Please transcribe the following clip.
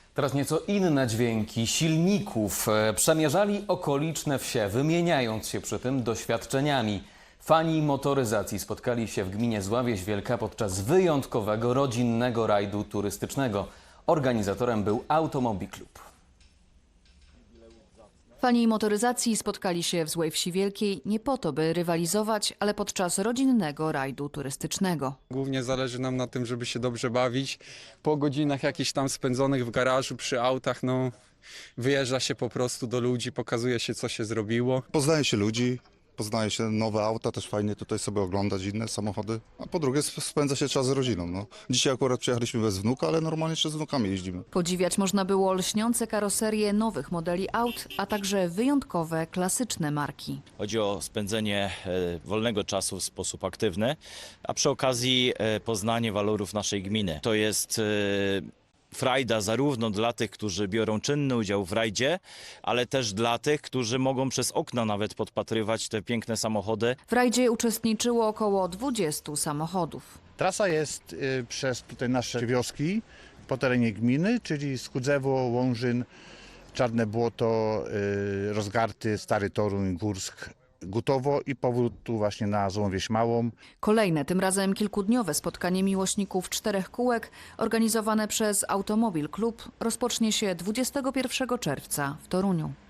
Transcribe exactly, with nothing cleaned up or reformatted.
Teraz nieco inne dźwięki silników. E, Przemierzali okoliczne wsie, wymieniając się przy tym doświadczeniami. Fani motoryzacji spotkali się w gminie Zławieś Wielka podczas wyjątkowego rodzinnego rajdu turystycznego. Organizatorem był Automobil Klub. Fani motoryzacji spotkali się w Złej Wsi Wielkiej nie po to, by rywalizować, ale podczas rodzinnego rajdu turystycznego. Głównie zależy nam na tym, żeby się dobrze bawić. Po godzinach jakichś tam spędzonych w garażu przy autach, no wyjeżdża się po prostu do ludzi, pokazuje się, co się zrobiło. Poznaje się ludzi, poznaje się nowe auta, też fajnie tutaj sobie oglądać inne samochody. A po drugie sp- spędza się czas z rodziną. No. Dzisiaj akurat przyjechaliśmy bez wnuka, ale normalnie jeszcze z wnukami jeździmy. Podziwiać można było lśniące karoserie nowych modeli aut, a także wyjątkowe, klasyczne marki. Chodzi o spędzenie e, wolnego czasu w sposób aktywny, a przy okazji e, poznanie walorów naszej gminy. To jest e, frajda zarówno dla tych, którzy biorą czynny udział w rajdzie, ale też dla tych, którzy mogą przez okna nawet podpatrywać te piękne samochody. W rajdzie uczestniczyło około dwudziestu samochodów. Trasa jest y, przez tutaj nasze wioski po terenie gminy, czyli Skudzewo, Łążyn, Czarne Błoto, y, Rozgarty, Stary Toruń, Górsk, Gutowo i powrót tu właśnie na Złą Wieś Małą. Kolejne, tym razem kilkudniowe spotkanie miłośników czterech kółek organizowane przez Automobil Klub rozpocznie się dwudziestego pierwszego czerwca w Toruniu.